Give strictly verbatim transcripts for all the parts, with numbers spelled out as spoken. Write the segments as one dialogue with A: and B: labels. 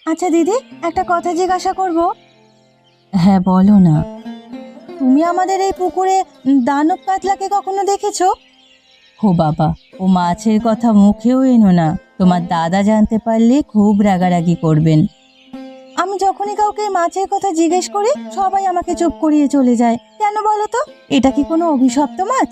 A: আচ্ছা দিদি, একটা কথা জিজ্ঞাসা করব। হ্যাঁ বলো না। তুমি আমাদের এই পুকুরে দানব কাতলাকে কখনো দেখেছো? ও বাবা, ও মাছের কথা মুখেও এনো না, তোমার দাদা জানতে পারলে খুব রাগারাগি করবেন। আমি যখনই কাউকে মাছের কথা জিজ্ঞেস করি সবাই আমাকে চুপ করিয়ে চলে যায়। কেন বলো তো? এটা কি কোনো অভিশপ্ত মাছ?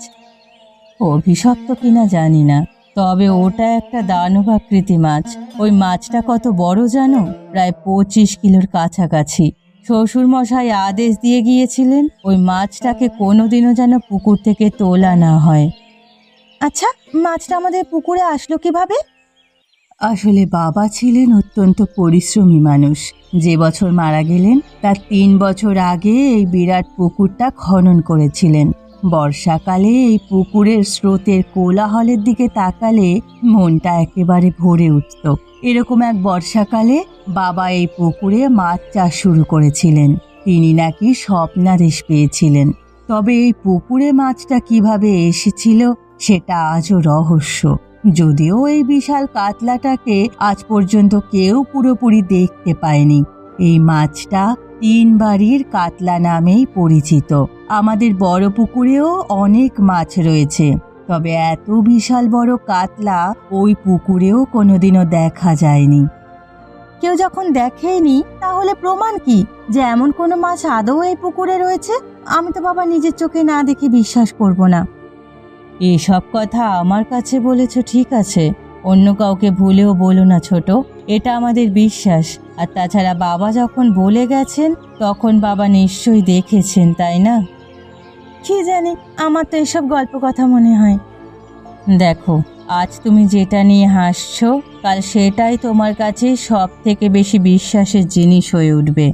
A: অভিশপ্ত কিনা জানি না, তবে ওটা একটা দানবাকৃতি মাছ। ওই মাছটা কত বড় জানো? প্রায় পঁচিশ কিলোর কাছাকাছি। শ্বশুর মশাই আদেশ দিয়ে গিয়েছিলেন ওই মাছটাকে কোনোদিনও যেন পুকুর থেকে তোলা না হয়। আচ্ছা, মাছটা আমাদের পুকুরে আসলো কিভাবে? আসলে বাবা ছিলেন অত্যন্ত পরিশ্রমী মানুষ। যে বছর মারা গেলেন তার তিন বছর আগে এই বিরাট পুকুরটা খনন করেছিলেন। বর্ষাকালে এই পুকুরের স্রোতের কোলাহলের দিকে তাকালে মনটা একেবারে ভরে উঠত। এরকম এক বর্ষাকালে বাবা এই পুকুরে মাছ চাষ শুরু করেছিলেন। তিনি নাকি স্বপ্নাদেশ পেয়েছিলেন। তবে এই পুকুরে মাছটা কিভাবে এসেছিল সেটা আজও রহস্য। যদিও এই বিশাল কাতলাটাকে আজ পর্যন্ত কেউ পুরোপুরি দেখতে পায়নি। এই মাছটা তিন বাড়ির কাতলা নামেই পরিচিত। আমাদের বড় পুকুরেও অনেক মাছ রয়েছে, তবে এত বিশাল বড় কাতলা ওই পুকুরেও কোনোদিনও দেখা যায়নি। কেউ যখন দেখেনি তাহলে প্রমাণ কি যে এমন কোনো মাছ আদৌ এই পুকুরে রয়েছে? আমি তো বাবা নিজের চোখে না দেখে বিশ্বাস করব না। এসব কথা আমার কাছে বলেছ ঠিক আছে, অন্য কাউকে ভুলেও বলো না ছোট, এটা আমাদের বিশ্বাস। আর তাছাড়া বাবা যখন বলে গেছেন তখন বাবা নিশ্চয়ই দেখেছেন, তাই না? কি জানি, আমার তো এসব গল্প কথা মনে হয়। দেখো, আজ তুমি যেটা নিয়ে হাসছো কাল সেটাই তোমার কাছে সব থেকে বেশি বিশ্বাসের জিনিস হয়ে উঠবে।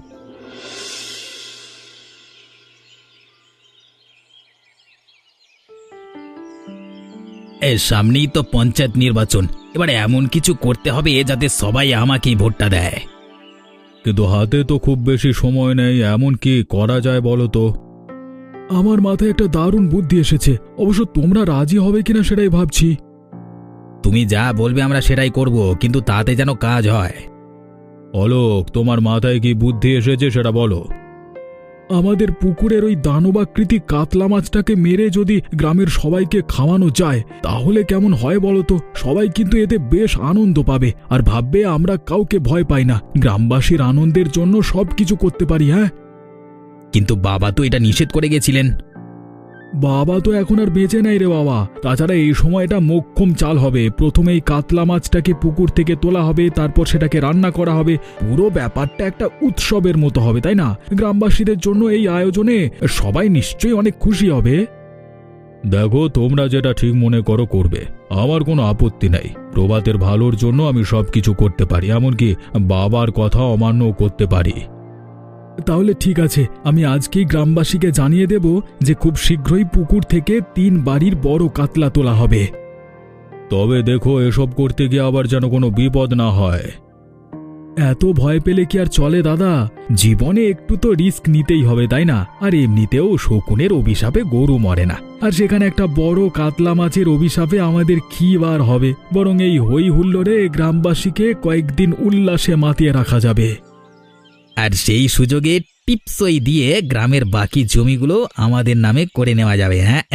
B: এর সামনেই তো পঞ্চায়েত নির্বাচন, এবার এমন কিছু করতে হবে যাতে সবাই আমাকেই ভোটটা দেয়।
C: কিন্তু হাতে তো খুব বেশি সময় নেই, এমন কি করা যায় বলো তো? আমার মাথায় একটা দারুণ বুদ্ধি এসেছে, অবশ্য তোমরা রাজি হবে কিনা সেটাই ভাবছি।
B: তুমি যা বলবে আমরা সেটাই করব, কিন্তু তাতে যেন কাজ হয়।
C: অলোক, তোমার মাথায় কি বুদ্ধি এসেছে সেটা বলো। আমাদের পুকুরের ওই দানবাকৃতি কাতলা মাছটাকে মেরে যদি গ্রামের সবাইকে খাওয়ানো যায় তাহলে কেমন হয় বলো তো? সবাই কিন্তু এতে বেশ আনন্দ পাবে আর ভাববে আমরা কাউকে ভয় পাই না, গ্রামবাসীর আনন্দের জন্য সবকিছু করতে পারি। হ্যাঁ,
B: কিন্তু বাবা তো এটা নিষেধ করে গেছিলেন।
C: বাবা তো এখন আর বেঁচে নাই রে বাবা। তাছাড়া এই সময়টা মোক্ষম চাল হবে। প্রথমে এই কাতলা মাছটাকে পুকুর থেকে তোলা হবে, তারপর সেটাকে রান্না করা হবে। পুরো ব্যাপারটা একটা উৎসবের মতো হবে, তাই না? গ্রামবাসীদের জন্য এই আয়োজনে সবাই নিশ্চয়ই অনেক খুশি হবে। দেখো, তোমরা যেটা ঠিক মনে করো করবে, আমার কোনো আপত্তি নাই। প্রভাতের ভালোর জন্য আমি সবকিছু করতে পারি, এমনকি বাবার কথা অমান্য করতে পারি। তাহলে ঠিক আছে, আমি আজকেই গ্রামবাসীকে জানিয়ে দেব যে খুব শীঘ্রই পুকুর থেকে তিন বাড়ির বড় কাতলা তোলা হবে। তবে দেখো, এসব করতে গিয়ে আবার যেন কোনো বিপদ না হয়। এত ভয় পেলে কি আর চলে দাদা? জীবনে একটু তো রিস্ক নিতেই হবে, তাই না? আর এমনিতেও শকুনের অভিশাপে গরু মরে না, আর সেখানে একটা বড় কাতলা মাছের অভিশাপে আমাদের কি বার হবে? বরং এই হই হুল্লোড়ে গ্রামবাসীকে কয়েকদিন উল্লাসে মাতিয়ে রাখা যাবে।
B: আর সেই সুযোগে টিপসই দিয়ে গ্রামের বাকি জমিগুলো আমাদের নামে করে নেওয়া যাবে। হ্যাঁ,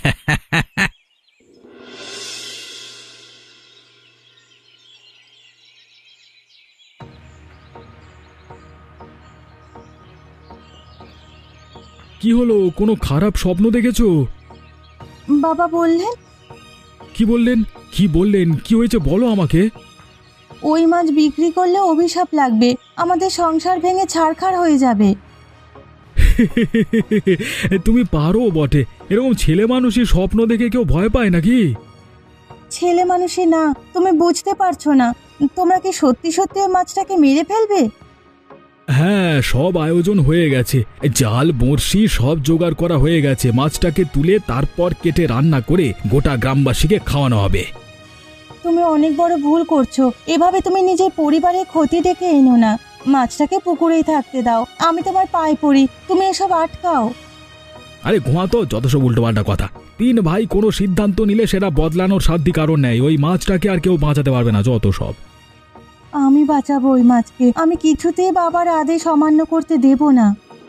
C: কি হলো? কোনো খারাপ স্বপ্ন দেখেছো?
A: বাবা বললেন।
C: কি বললেন? কি বললেন? কি হয়েছে বলো আমাকে।
A: ওই মাছ বিক্রি করলে অভিশাপ লাগবে, আমাদের সংসার ভেঙে ছারখার হয়ে যাবে।
C: তুমি পারো বটে। এরকম ছেলে মানুষই স্বপ্ন দেখে কেউ ভয় পায় নাকি?
A: ছেলে মানুষই না, তুমি বুঝতে পারছো না। তোমরা কি সত্যি সত্যি ওই মাছটাকে মেরে ফেলবে?
C: হ্যাঁ, সব আয়োজন হয়ে গেছে। জাল, বড়শি সব জোগাড় করা হয়ে গেছে। মাছটাকে তুলে তারপর কেটে রান্না করে গোটা গ্রামবাসীকে খাওয়ানো হবে।
A: তুমি অনেক বড় ভুল করছো। এভাবে তুমি নিজের পরিবারের ক্ষতি ডেকে এনো না। মাছটাকে পুকুরেই থাকতে দাও। আমি তোমার পায়ে পড়ি, তুমি এসব আটকাও।
C: আরে ঘুমা তো, যত সব উল্টোপাল্টা কথা। তিন ভাই কোনো সিদ্ধান্ত নিলে সেটা বদলানোর সাধ্য কারণ নেই। ওই মাছটাকে আর কেউ বাঁচাতে পারবে না, যত সব।
A: আমি আমি বাঁচাবো ওই মাছকে। আমি কিছুতেই বাবার আদেশ অমান্য করতে দেব না।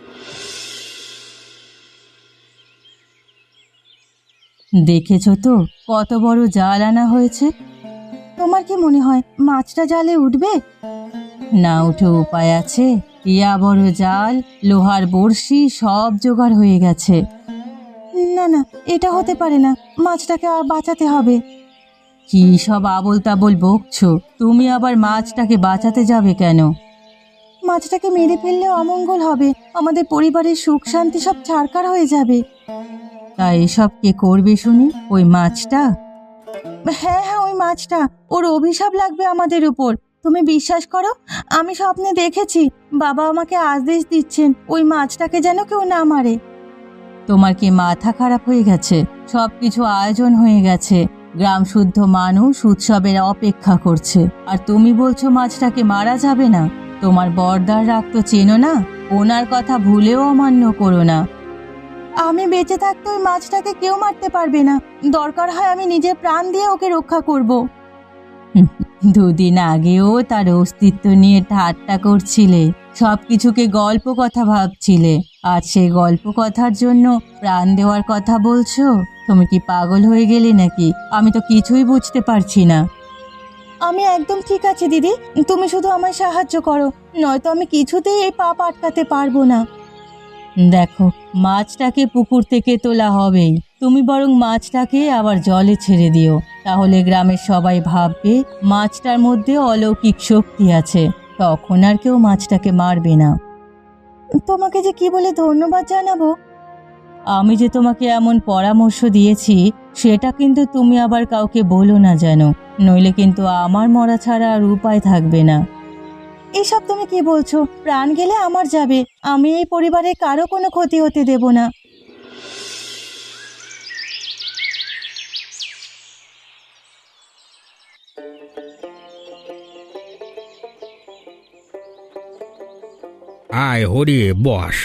A: দেখেছো তো কত বড় জাল আনা হয়েছে। তোমার কি মনে হয় মাছটা জালে উঠবে? না উঠে উপায় আছে? ইয়া বড় জাল, লোহার বড়শি সব জোগাড় হয়ে গেছে। না না, এটা হতে পারে না, মাছটাকে আর বাঁচাতে হবে। কি সব আবোল তাবোল বকছো? তুমি আবার মাছটাকে বাঁচাতে যাবে কেন? মাছটাকে মেরে ফেললে অমঙ্গল হবে, আমাদের পরিবারের সুখ শান্তি সব ছারখার হয়ে যাবে। তাই এসব কে করবে শুনি? ওই মাছটা? হ্যাঁ হ্যাঁ, ওই মাছটা। ওর অভিশাপ লাগবে আমাদের উপর। তুমি বিশ্বাস করো, আমি স্বপ্নে দেখেছি বাবা আমাকে আদেশ দিচ্ছেন ওই মাছটাকে যেন কেউ না মারে। তোমার কি মাথা খারাপ হয়ে গেছে? সব কিছু আয়োজন হয়ে গেছে, গ্রাম শুদ্ধ মানুষ উৎসবের অপেক্ষা করছে, আর তুমি বলছো মাছটাকে মারা যাবে না? তোমার বর্দার রাগ তো চেনো না, ওনার কথা ভুলেও অমান্য করো না। আমি বেঁচে থাকতে ওই মাছটাকে কেউ মারতে পারবে না, দরকার হয় আমি নিজের প্রাণ দিয়ে ওকে রক্ষা করব। দুদিন আগেও তার অস্তিত্ব নিয়ে ঠাট্টা করছিলে, সবকিছুকে গল্প কথা ভাবছিলে, আর সেই গল্প কথার জন্য প্রাণ দেওয়ার কথা বলছো? তুমি কি পাগল হয়ে গেলে নাকি? আমি তো কিছুই বুঝতে পারছি না। আমি একদম ঠিক আছি দিদি, তুমি শুধু আমায় সাহায্য করো, নয়তো আমি কিছুতেই এই পাপ আটকাতে পারবো না। দেখো, মাছটাকে পুকুর থেকে তোলা হবেই, তুমি বরং মাছটাকে আবার জলে ছেড়ে দিও, তাহলে গ্রামের সবাই ভাববে মাছটার মধ্যে অলৌকিক শক্তি আছে, তখন আর কেউ মাছটাকে মারবে না। তোমাকে যে কি বলে ধন্যবাদ জানাবো। আমি যে তোমাকে এমন পরামর্শ দিয়েছি সেটা কিন্তু তুমি আবার কাউকে বলো না যেন, নইলে কিন্তু আমার মরা ছাড়া আর উপায় থাকবে না। এসব তুমি কি বলছো? প্রাণ গেলে আমার যাবে, আমি এই পরিবারের কারো কোনো ক্ষতি হতে দেব না।
B: আয় হরি, বস।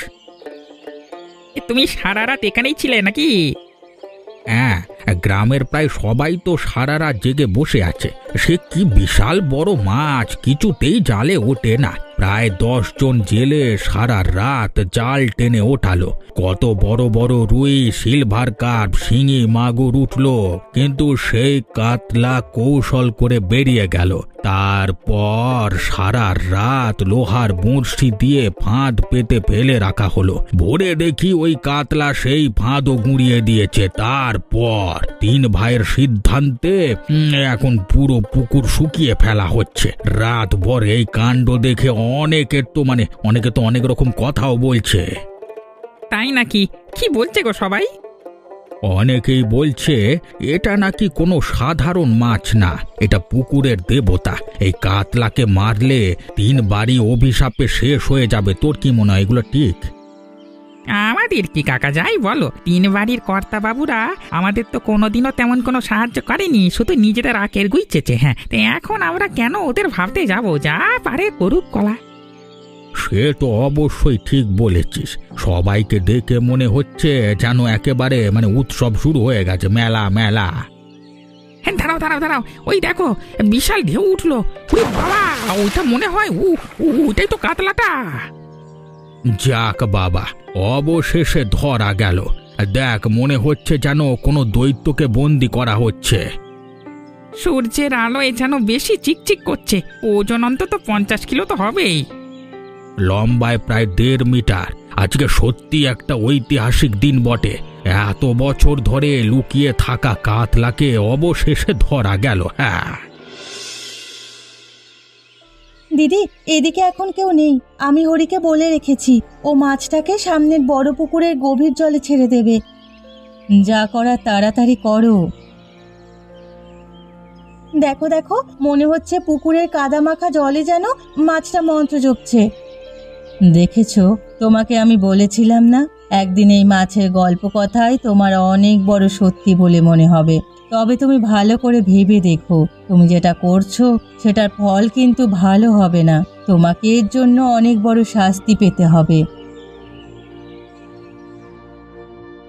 D: এ, তুমি সারা রাত এখানেই ছিলে নাকি?
B: হ্যাঁ, গ্রামের প্রায় সবাই তো সারা রাত জেগে বসে আছে। সে কি বিশাল বড় মাছ, কিছুতেই জালে ওঠে না। প্রায় দশ জন জেলে সারা রাত জাল টেনে ওঠালো। কত বড় বড় রুই, সিলভার কাপ, শিঙি, মাগুর উঠলো, কিন্তু সেই কাতলা কৌশল করে বেরিয়ে গেল। তারপর সারা রাত লোহার বড়শি দিয়ে ফাঁদ পেতে ফেলে রাখা হলো। ভোরে দেখি ওই কাতলা সেই ফাঁদও গুঁড়িয়ে দিয়েছে। তারপর তিন ভাইয়ের সিদ্ধান্তে উম, এখন পুরো পুকুর শুকিয়ে ফেলা হচ্ছে। রাত ভর এই কাণ্ড দেখে অনেকের তো মানে অনেকে তো অনেক রকম কথাও বলছে।
D: তাই নাকি? কি বলছে গো সবাই?
B: অনেকেই বলছে এটা নাকি কোনো সাধারণ মাছ না, এটা পুকুরের দেবতা। এই কাতলাকে মারলে তিন বাড়ি অভিশাপে শেষ হয়ে যাবে। তোর কি মনে হয়, এগুলো ঠিক?
D: আমাদের কি কাকা, যাই বলো, তিন বাড়ির কর্তা বাবুরা আমাদের তো কোনোদিনও তেমন কোনো সাহায্য করেনি, শুধু নিজেদের আকের গুইচেছে। হ্যাঁ, তো এখন আমরা কেন ওদের ভাবতে যাব? যা পারে করুক কলা।
B: সে তো অবশ্যই ঠিক বলেছিস। সবাইকে দেখে মনে হচ্ছে যেন একেবারে মানে উৎসব শুরু হয়ে গেছে, মেলা মেলা।
D: হ্যাঁ, দাঁড়াও দাঁড়াও দাঁড়াও, ওই দেখো বিশাল ঢেউ উঠলো। ওরে বাবা, ওইটা মনে হয় ও ওইটাই তো কাতলাটা।
B: যাক বাবা, অবশেষে ধরা গেল। দেখ, মনে হচ্ছে যেন কোনো দৈত্যকে বন্দি করা হচ্ছে।
D: সূর্যের আলোয় যেন বেশি চিকচিক করছে। ওজন অন্তত পঞ্চাশ কিলো তো হবেই।
B: লম্বায় প্রায় দেড় মিটার। আজকে সত্যি একটা ঐতিহাসিক দিন বটে। এত বছর ধরে লুকিয়ে থাকা কাতলাকে অবশেষে ধরা গেল। হ্যাঁ
A: দিদি, এদিকে এখন কেউ নেই, আমি হরিকে বলে রেখেছি ও মাছটাকে সামনের বড় পুকুরের গভীর জলে ছেড়ে দেবে। যা করার তাড়াতাড়ি করো। দেখো দেখো, মনে হচ্ছে পুকুরের কাদামাখা জলে যেন মাছটা মন্ত্র জপছে। দেখেছো, তোমাকে আমি বলেছিলাম না, একদিন এই মাছের গল্প কথাই তোমার অনেক বড় সত্যি বলে মনে হবে। তবে তুমি ভালো করে ভেবে দেখো, তুমি যেটা করছো সেটার ফল কিন্তু ভালো হবে না, তোমাকে এর জন্য অনেক বড় শাস্তি পেতে হবে।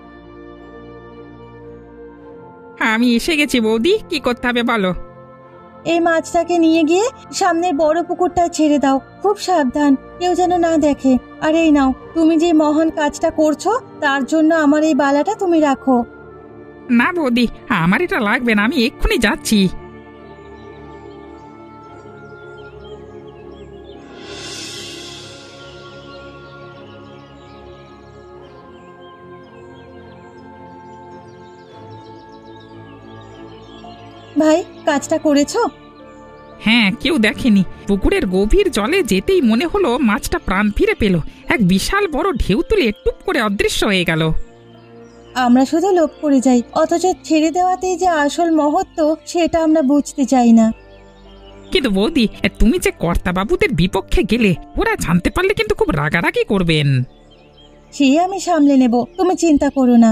D: আমি এসে গেছি বৌদি, কি করতে হবে বলো?
A: এই মাছটাকে নিয়ে গিয়ে সামনের বড় পুকুরটা ছেড়ে দাও। খুব সাবধান, কেউ যেন না দেখে। আর এই নাও, তুমি যে মহান কাজটা করছো তার জন্য আমার এই বালাটা তুমি রাখো।
D: না বৌদি, আমার এটা লাগবে না, আমি এক্ষুনি যাচ্ছি।
A: ভাই, কাজটা করেছো?
D: হ্যাঁ, কেউ দেখেনি। পুকুরের গভীর জলে যেতেই মনে হলো মাছটা প্রাণ ফিরে পেল। এক বিশাল বড় ঢেউ তুলে টুপ করে অদৃশ্য হয়ে গেল।
A: আমরা শুধু লোভ করে যাই, অথচ ছেড়ে দেওয়াতেই যে আসল মহত্ব সেটা আমরা বুঝতে চাই না।
D: কিন্তু বৌদি, তুমি যে কর্তাবাবুদের বিপক্ষে গেলে, ওরা জানতে পারলে কিন্তু খুব রাগারাগি করবেন।
A: সে আমি সামলে নেব, তুমি চিন্তা করো না।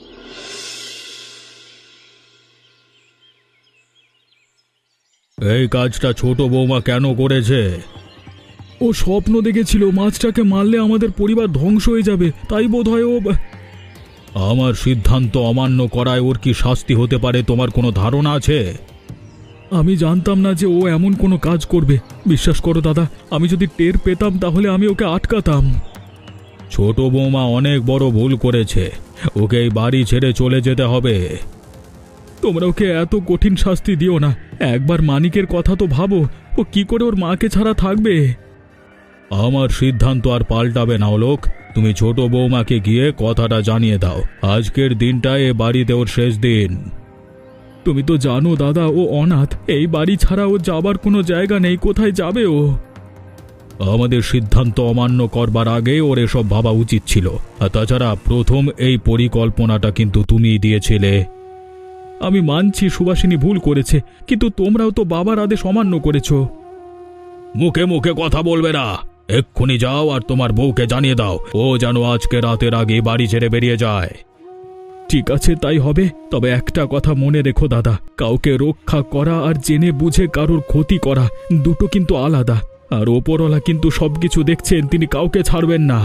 B: এই কাজটা ছোট বৌমা কেন করেছে?
C: ও স্বপ্ন দেখেছিল মাছটাকে মারলে আমাদের পরিবার ধ্বংস হয়ে যাবে, তাই বোধ হয় ও।
B: আমার সিদ্ধান্ত অমান্য করায় ওর কি শাস্তি হতে পারে তোমার কোনো ধারণা আছে?
C: আমি জানতাম না যে ও এমন কোনো কাজ করবে। বিশ্বাস করো দাদা, আমি যদি টের পেতাম তাহলে আমি ওকে আটকাতাম।
B: ছোট বৌমা অনেক বড় ভুল করেছে, ওকে এই বাড়ি ছেড়ে চলে যেতে হবে।
C: তোমরা ওকে এত কঠিন শাস্তি দিও না। একবার মানিকের কথা তো ভাবো, ও কি করে ওর মাকে ছাড়া থাকবে।
B: আমার সিদ্ধান্ত আর পাল্টাবে না লোক। তুমি ছোট বৌমাকে গিয়ে কথাটা জানিয়ে দাও, আজকের দিনটায় এ বাড়িতে ওর শেষ দিন।
C: তুমি তো জানো দাদা, ও অনাথ। এই বাড়ি ছাড়া ও যাবার কোনো জায়গা নেই, কোথায় যাবে ও?
B: আমাদের সিদ্ধান্ত অমান্য করবার আগে ওর এসব ভাবা উচিত ছিল। আর তাছাড়া প্রথম এই পরিকল্পনাটা কিন্তু তুমিই দিয়েছিলে।
C: আমি মানছি সুভাষিনী ভুল করেছে, কিন্তু তোমরাও তো বাবার আদেশ অমান্য করেছো।
B: মুখে মুখে কথা বলবে না, এক্ষুনি যাও আর তোমার বউকে জানিয়ে দাও ও যেন আজকে রাতের আগে বাড়ি ছেড়ে বেরিয়ে যায়।
C: ঠিক আছে, তাই হবে। তবে একটা কথা মনে রেখো দাদা, কাউকে রক্ষা করা আর জেনে বুঝে কারোর ক্ষতি করা দুটো কিন্তু আলাদা। আর ওপরওয়ালা কিন্তু সবকিছু দেখছেন, তিনি কাউকে ছাড়বেন না।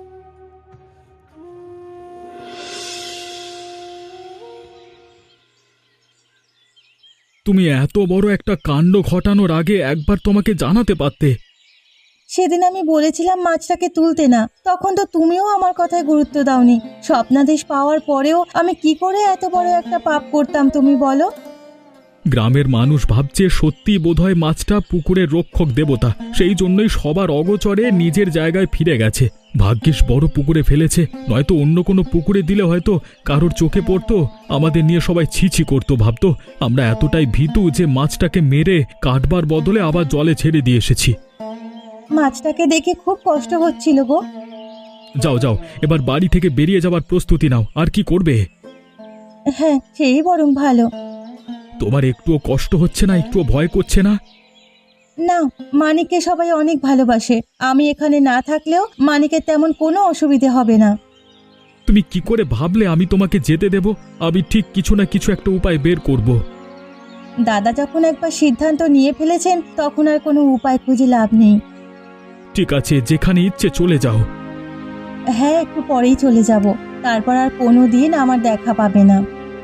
C: তুমি এত বড় একটা কাণ্ড ঘটানোর আগে একবার তোমাকে জানাতে পারতে।
A: সেদিন আমি বলেছিলাম মাছটাকে তুলতে না, তখন তো তুমিও আমার কথায় গুরুত্ব দাওনি। স্বপ্নাদেশ পাওয়ার পরেও আমি কি করে এত বড় একটা পাপ করতাম তুমি বলো?
C: গ্রামের মানুষ ভাবছে সত্যি বোধহয় মাছটা পুকুরের রক্ষক দেবতা, সেই জন্যই সবার অগোচরে নিজের জায়গায় ফিরে গেছে। ভাগ্যিস বড় পুকুরে ফেলেছে, নয়তো অন্য কোনো পুকুরে দিলে হয়তো কারোর চোখে পড়তো, আমাদের নিয়ে সবাই ছিছি করতো, ভাবতো আমরা এতটাই ভীতু যে মাছটাকে মেরে কাটবার বদলে আবার জলে ছেড়ে দিয়ে এসেছি।
A: মাছটাকে দেখে খুব কষ্ট হচ্ছিল গো।
C: যাও যাও, এবার বাড়ি থেকে বেরিয়ে যাবার প্রস্তুতি নাও। আর কি করবে?
A: হ্যাঁ, সেই বরং ভালো।
C: তোমার একটুও কষ্ট হচ্ছে না? একটুও ভয় করছে না?
A: না, মানিককে সবাই অনেক ভালোবাসে। আমি এখানে না থাকলেও মানিকের তেমন কোনো অসুবিধে হবে না।
C: তুমি কি করে ভাবলে আমি তোমাকে যেতে দেব? আমি ঠিক কিছু না কিছু একটা উপায় বের করব।
A: দাদা যখন একবার সিদ্ধান্ত নিয়ে ফেলেছেন তখন আর কোনো উপায় খুঁজে লাভ নেই।
C: ঠিক আছে, যেখানে ইচ্ছে চলে যাও।
A: হ্যাঁ, একটু পরেই চলে যাব, তারপর আর কোনো দিন আমার দেখা পাবে না।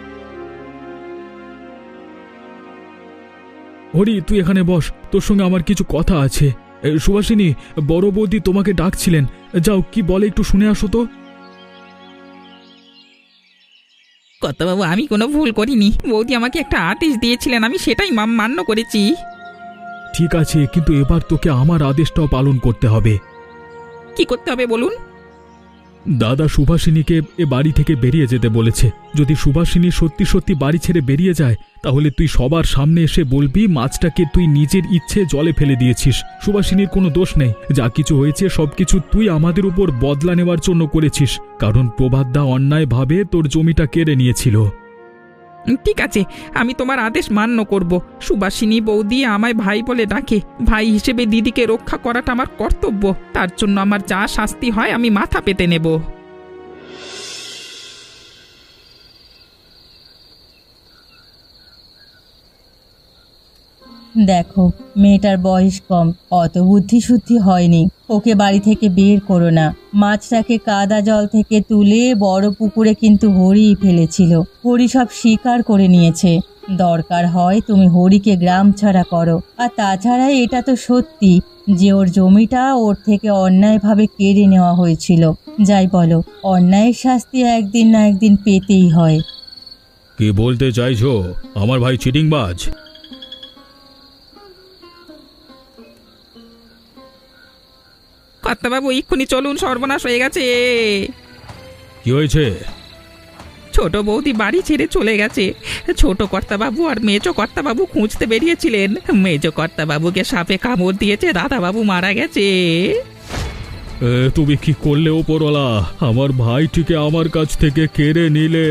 C: হরি, তুই এখানে বস, তোর সঙ্গে আমার কিছু কথা আছে। এ, সুভাষিনী, বড় বৌদি তোমাকে ডাকছিলেন। যাও, কি বলে একটু শুনে আসো তো।
D: কর্তাবাবু, আমি কোনো ভুল করিনি। বৌদি আমাকে একটা আদেশ দিয়েছিলেন, আমি সেটাই মা- মান্য করেছি।
C: ঠিক আছে, কিন্তু এবার তোকে আমার আদেশটাও পালন করতে হবে।
D: কি করতে হবে বলুন?
C: দাদা সুভাষিনীকে এ বাড়ি থেকে বেরিয়ে যেতে বলেছে। যদি সুভাষিনী সত্যি সত্যি বাড়ি ছেড়ে বেরিয়ে যায়, তাহলে তুই সবার সামনে এসে বলবি মাছটাকে তুই নিজের ইচ্ছে জলে ফেলে দিয়েছিস। সুভাষিনীর কোনো দোষ নেই, যা কিছু হয়েছে সবকিছু তুই আমাদের উপর বদলা নেওয়ার জন্য করেছিস, কারণ প্রভাতদা অন্যায়ভাবে তোর জমিটা কেড়ে নিয়েছিল।
D: ঠিক আছে, আমি তোমার আদেশ মান্য করব। সুবাসিনী বৌদি আমায় ভাই বলে ডাকে, ভাই হিসেবে দিদিকে রক্ষা করাটা আমার কর্তব্য। তার জন্য আমার যা শাস্তি হয় আমি মাথা পেতে নেব।
A: দেখো, মেয়েটার বয়স কম, অত বুদ্ধি শুদ্ধি হয়নি। ওকে বাড়ি থেকে বের করো না। মাছটাকে কাদা জল থেকে তুলে বড় পুকুরে কিন্তু হরিই ফেলেছিল। হরি সব স্বীকার করে নিয়েছে। দরকার হয় তুমি হরিকে গ্রাম ছাড়া করো। আর তাছাড়া এটা তো সত্যি যে ওর জমিটা ওর থেকে অন্যায়ভাবে কেড়ে নেওয়া হয়েছিল। যাই বলো, অন্যায়ের শাস্তি একদিন না একদিন পেতেই হয়।
C: কি বলতে চাইছো? আমার ভাই চিটিংবাজ?
D: কর্তাবাবু এক্ষুনি চলুন, সর্বনাশ হয়ে গেছে।
C: কি হয়েছে?
D: ছোট বৌদি বাড়ি ছেড়ে চলে গেছে। ছোট কর্তাবাবু আর মেজো কর্তাবাবু খুঁজতে বেরিয়েছিলেন। মেজো কর্তাবাবুকে সাপে কামড় দিয়েছে, দাদাবাবু মারা গেছে।
C: এ, তুমি কি করলে ওপরওয়ালা? আমার ভাইটিকে আমার কাছ থেকে কেড়ে নিলে।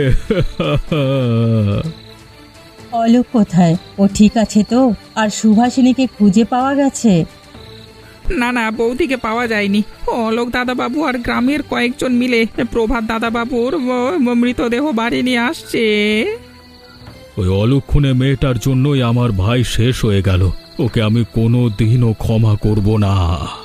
A: অলোক কোথায়? ও ঠিক আছে তো? আর সুভাষিনীকে খুঁজে পাওয়া গেছে?
D: না না, বৌদিকে পাওয়া যায়নি। অলোক দাদাবাবু আর গ্রামের কয়েকজন মিলে প্রভাত দাদাবাবুর ম- ম- মৃতদেহ বাড়ি নিয়ে আসছে।
C: ওই অলক্ষণে মেয়েটার জন্যই আমার ভাই শেষ হয়ে গেল। ওকে আমি কোনো দিনও ক্ষমা করব না।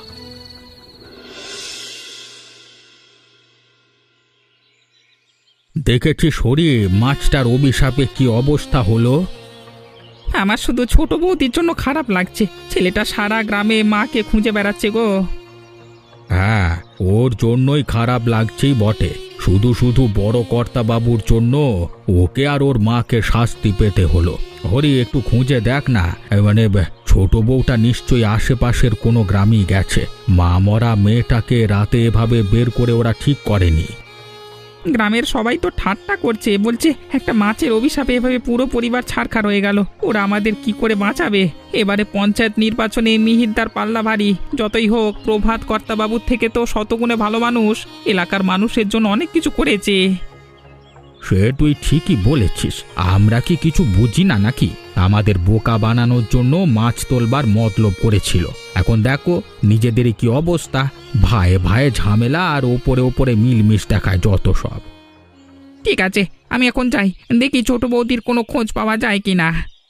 B: দেখেছি শরীর মাছটার অভিশাপে কি অবস্থা হলো।
D: আমার শুধু ছোট বৌদির জন্য খারাপ লাগছে। ছেলেটা সারা গ্রামে মাকে খুঁজে বেড়াচ্ছে গো।
B: হ্যাঁ, ওর জন্যই খারাপ লাগছেই বটে। শুধু শুধু বড় কর্তা বাবুর জন্য ওকে আর ওর মাকে শাস্তি পেতে হলো। হরি, একটু খুঁজে দেখ না, মানে ছোট বউটা নিশ্চয়ই আশেপাশের কোনো গ্রামই গেছে। মা মরা মেয়েটাকে রাতে এভাবে বের করে ওরা ঠিক করেনি।
D: গ্রামের সবাই তো ঠাট্টা করছে, বলছে একটা মাছের অভিশাপে এভাবে পুরো পরিবার ছাড়খাড় হয়ে গেল। ওরা আমাদের কি করে বাঁচাবে? এবারে পঞ্চায়েত নির্বাচনে মিহিরদার পাল্লা ভারী। যতই হোক প্রভাত কর্তাবাবুর থেকে তো শতগুণে ভালো মানুষ, এলাকার মানুষের জন্য অনেক কিছু করেছে।
B: সে তুই ঠিকই বলেছিস, আমরা কি কিছু বুঝি না নাকি? আমাদের বোকা বানানোর জন্য মাছ তোলবার মতলব করেছিল। এখন দেখো নিজেদেরই কি অবস্থা। ভাইয়ে ভাইয়ে ঝামেলা আর ওপরে ওপরে মিলমিশ দেখায় যত সব।
D: ঠিক আছে, আমি এখন যাই, দেখি ছোট বৌদির কোনো খোঁজ পাওয়া যায় কিনা।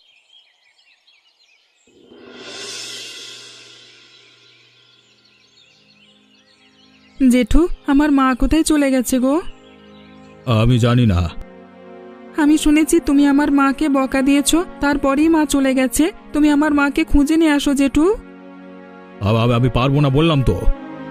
D: জেঠু, আমার মা কোথায় চলে গেছে গো?
C: আমি জানি না।
D: আমি শুনেছি তুমি আমার মাকে বকা দিয়েছো, তারপরেই মা চলে গেছে। তুমি আমার মাকে খুঁজে নিয়ে আসো জেঠু।
C: আ- আমি পারবো না বললাম তো।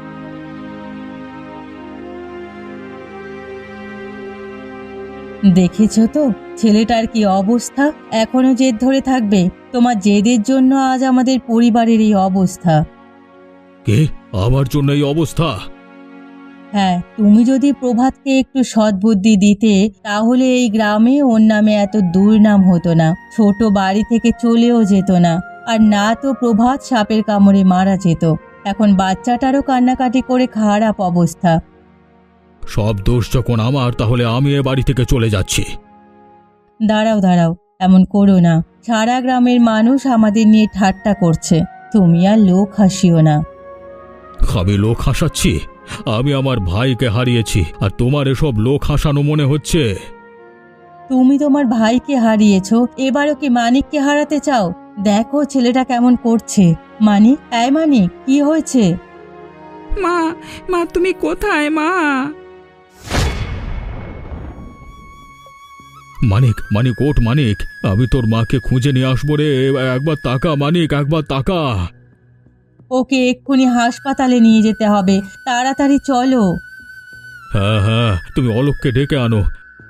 A: দেখেছো তো ছেলেটার কি অবস্থা? এখনো জেদ ধরে থাকবে? তোমার জেদের জন্য আজ আমাদের পরিবারের এই অবস্থা।
C: কে? আমার জন্য এই অবস্থা?
A: হ্যাঁ, তুমি যদি প্রভাতকে একটু সদ্বুদ্ধি দিতে তাহলে এই গ্রামে ওর নামে এত দুর্নাম হতো না। ছোট বাড়ি থেকে চলেও যেত না। আর না তো প্রভাত সাপের কামড়ে মারা যেত। এখন বাচ্চাটারও কান্নাকাটি করে খারাপ অবস্থা।
C: সব দোষ যখন আমার, তাহলে আমি এ বাড়ি থেকে চলে যাচ্ছি।
A: দাঁড়াও দাঁড়াও, এমন করো না। সারা গ্রামের মানুষ আমাদের নিয়ে ঠাট্টা করছে, তুমি আর লোক হাসিও না।
C: আমি লোক হাসাচ্ছি? আমি আমার ভাইকে হারিয়েছি, আর তোমার এসব লোক হাসানো মনে হচ্ছে?
A: তুমি তোমার ভাইকে হারিয়েছো, এবারও কি মানিককে হারাতে চাও? দেখো ছেলেটা কেমন করছে। মানিক, এই মানিক, কি হয়েছে?
D: মা, মা তুমি কোথায় মা?
C: মানিক, মানিক ওঠ মানিক, আমি তোর মাকে খুঁজে নিয়ে আসবো রে। একবার তাকা মানিক, একবার তাকা।
A: ওকে এক্ষুনি হাসপাতালে নিয়ে যেতে হবে, তাড়াতাড়ি চলো।
C: হ্যাঁ হ্যাঁ, তুমি অলোককে ডেকে আনো।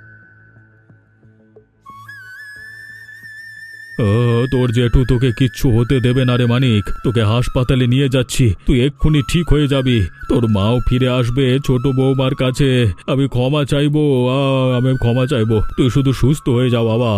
C: ও, তোর জেঠু তোকে কিচ্ছু হতে দেবে না রে মানিক। তোকে হাসপাতালে নিয়ে যাচ্ছি, তুই এক্ষুনি ঠিক হয়ে যাবি। তোর মাও ফিরে আসবে ছোট বৌমার কাছে। আমি ক্ষমা চাইবো, আ, আমি ক্ষমা চাইবো। তুই শুধু সুস্থ হয়ে যা বাবা।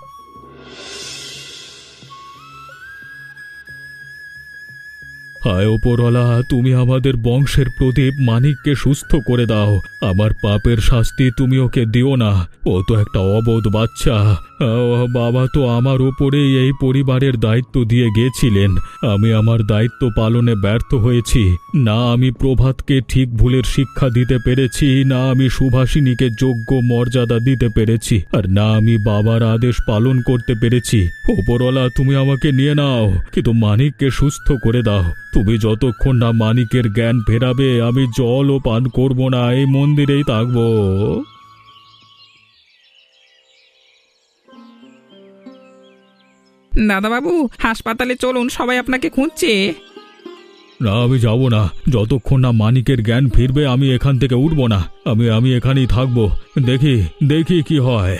C: হায় ওপরওয়ালা, তুমি আমাদের বংশের প্রদীপ মানিককে সুস্থ করে দাও। আমার পাপের শাস্তি তুমি ওকে দিও না। ও তো একটা অবোধ বাচ্চা। আহ, বাবা তো আমার ওপরেই এই পরিবারের দায়িত্ব দিয়ে গেছিলেন। আমি আমার দায়িত্ব পালনে ব্যর্থ হয়েছি। না আমি প্রভাতকে ঠিক ভুলের শিক্ষা দিতে পেরেছি, না আমি সুভাষিনীকে যোগ্য মর্যাদা দিতে পেরেছি, আর না আমি বাবার আদেশ পালন করতে পেরেছি। ওপরওয়ালা, তুমি আমাকে নিয়ে নাও, কিন্তু মানিককে সুস্থ করে দাও। তুমি যতক্ষণ না মানিকের জ্ঞান ফেরাবে আমি জলও পান করব না, এই মন্দিরেই থাকবো।
D: দাদাবাবু হাসপাতালে চলুন, সবাই আপনাকে খুঁজছে।
C: না, আমি যাব না। যতক্ষণ না মানিকের জ্ঞান ফিরবে আমি এখান থেকে উঠব না। আমি আমি এখানেই থাকবো। দেখি দেখি কি হয়।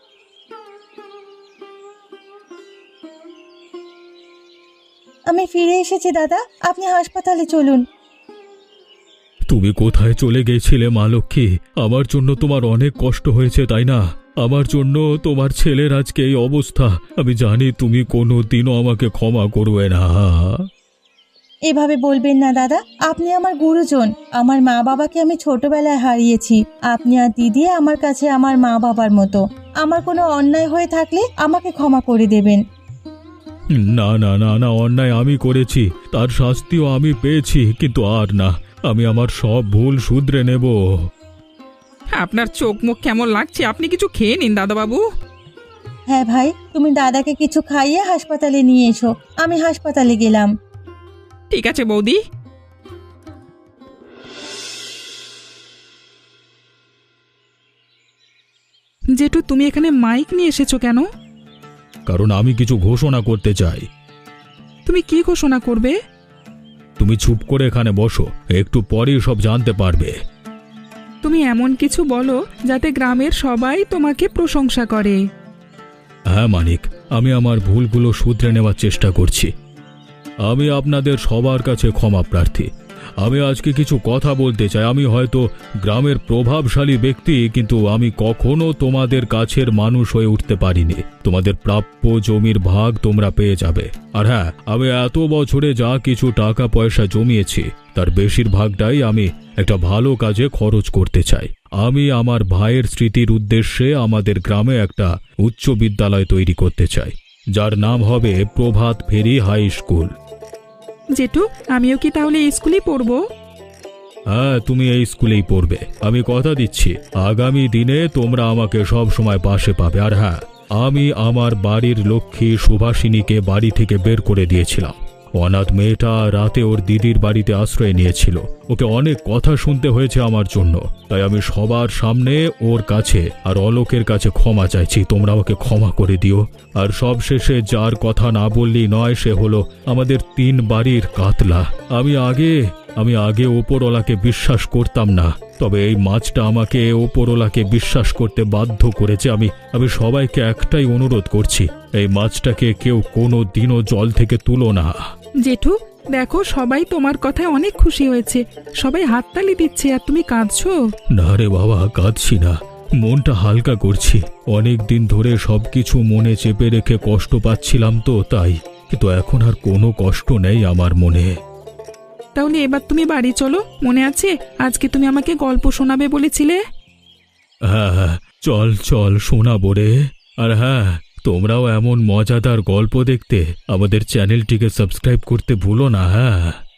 A: আমি ফিরে এসেছি দাদা, আপনি হাসপাতালে চলুন।
C: তুমি কোথায় চলে গেছিলে মা লক্ষ্মী? আমার জন্য তোমার অনেক কষ্ট হয়েছে, তাই না? আমার জন্য তোমার ছেলের আজকে এই অবস্থা। আমি জানি তুমি কোনো দিনও আমাকে ক্ষমা করবে না।
A: এভাবে বলবেন না দাদা, আপনি আমার গুরুজন। আমার মা বাবাকে আমি ছোটবেলায় হারিয়েছি। আপনি আর দিদি আমার কাছে আমার মা বাবার মতো। আমার কোনো অন্যায় হয়ে থাকলে আমাকে ক্ষমা করে দেবেন।
C: না না না না, অন্যায় আমি করেছি, তার শাস্তিও আমি পেয়েছি, কিন্তু আর না। আমি আমার সব ভুল শুধরে নেব।
D: আপনার চোখ মুখ কেমন লাগছে? আপনি কিছু খেয়ে নিন দাদাবাবু।
A: হ্যাঁ ভাই, তুমি দাদাকে কিছু খাইয়ে হাসপাতালে নিয়ে এসো। আমি হাসপাতালে গেলাম।
D: ঠিক আছে বৌদি। জেঠু, তুমি এখানে মাইক নিয়ে এসেছো কেন?
C: কারণ আমি কিছু ঘোষণা করতে চাই।
D: তুমি কি ঘোষণা করবে?
C: তুমি চুপ করে এখানে বসো, একটু পরেই সব জানতে পারবে।
D: তুমি এমন কিছু বলো যাতে গ্রামের সবাই তোমাকে প্রশংসা করে।
C: হ্যাঁ মানিক, আমি আমার ভুলগুলো শুধরে নেওয়ার চেষ্টা করছি। আমি আপনাদের সবার কাছে ক্ষমা প্রার্থী। আমি আজকে কিছু কথা বলতে চাই। আমি হয়তো গ্রামের প্রভাবশালী ব্যক্তি, কিন্তু আমি কখনো তোমাদের কাছের মানুষ হয়ে উঠতে পারিনি। তোমাদের প্রাপ্য জমির ভাগ তোমরা পেয়ে যাবে। আর হ্যাঁ, আমি এত বছরে যা কিছু টাকা পয়সা জমিয়েছি তার বেশিরভাগটাই আমি একটা ভালো কাজে খরচ করতে চাই। আমি আমার ভাইয়ের স্মৃতির উদ্দেশ্যে আমাদের গ্রামে একটা উচ্চ বিদ্যালয় তৈরি করতে চাই, যার নাম হবে প্রভাত ফেরি হাই স্কুল।
D: জেঠু, আমিও কি তাহলে এই স্কুলেই পড়বো?
C: হ্যাঁ, তুমি এই স্কুলেই পড়বে। আমি কথা দিচ্ছি, আগামী দিনে তোমরা আমাকে সব সময় পাশে পাবে। আর হ্যাঁ, আমি আমার বাড়ির লক্ষ্মী সুভাষিনীকে বাড়ি থেকে বের করে দিয়েছিলাম। অনাথ মেয়েটা রাতে ওর দিদির বাড়িতে আশ্রয় নিয়েছিল। ওকে অনেক কথা শুনতে হয়েছে আমার জন্য, তাই আমি সবার সামনে ওর কাছে আর অলোকের কাছে ক্ষমা চাইছি। তোমরা ওকে ক্ষমা করে দিও। আর সবশেষে যার কথা না বললেই নয়, সে হলো আমাদের তিন বাড়ির কাতলা। আমি আগে আমি আগে ওপরওয়ালাকে বিশ্বাস করতাম না, তবে এই মাছটা আমাকে ওপরওয়ালাকে বিশ্বাস করতে বাধ্য করেছে। আমি আমি সবাইকে একটাই অনুরোধ করছি, এই মাছটাকে কেউ কোনো দিনও জল থেকে তুলো না।
D: জেঠু, দেখো সবাই তোমার কথায় অনেক খুশি হয়েছে। সবাই হাততালি দিচ্ছে আর তুমি কাঁদছো।
C: না রে বাবা, কাঁদছি না, মনটা হালকা করছি। অনেক দিন ধরে সবকিছু মনে চেপে রেখে কষ্ট পাচ্ছিলাম তো, তাই। কিন্তু এখন আর কোনো কষ্ট নেই আমার মনে।
D: তাহলে এবার তুমি বাড়ি চলো। মনে আছে আজকে তুমি আমাকে গল্প শোনাবে বলেছিলে?
C: হ্যাঁ হ্যাঁ, চল চল শোনাবো রে। আর হ্যাঁ, তোমরাও এমন মজাদার গল্প দেখতে আমাদের চ্যানেলটিকে সাবস্ক্রাইব করতে ভুলো না। হ্যাঁ।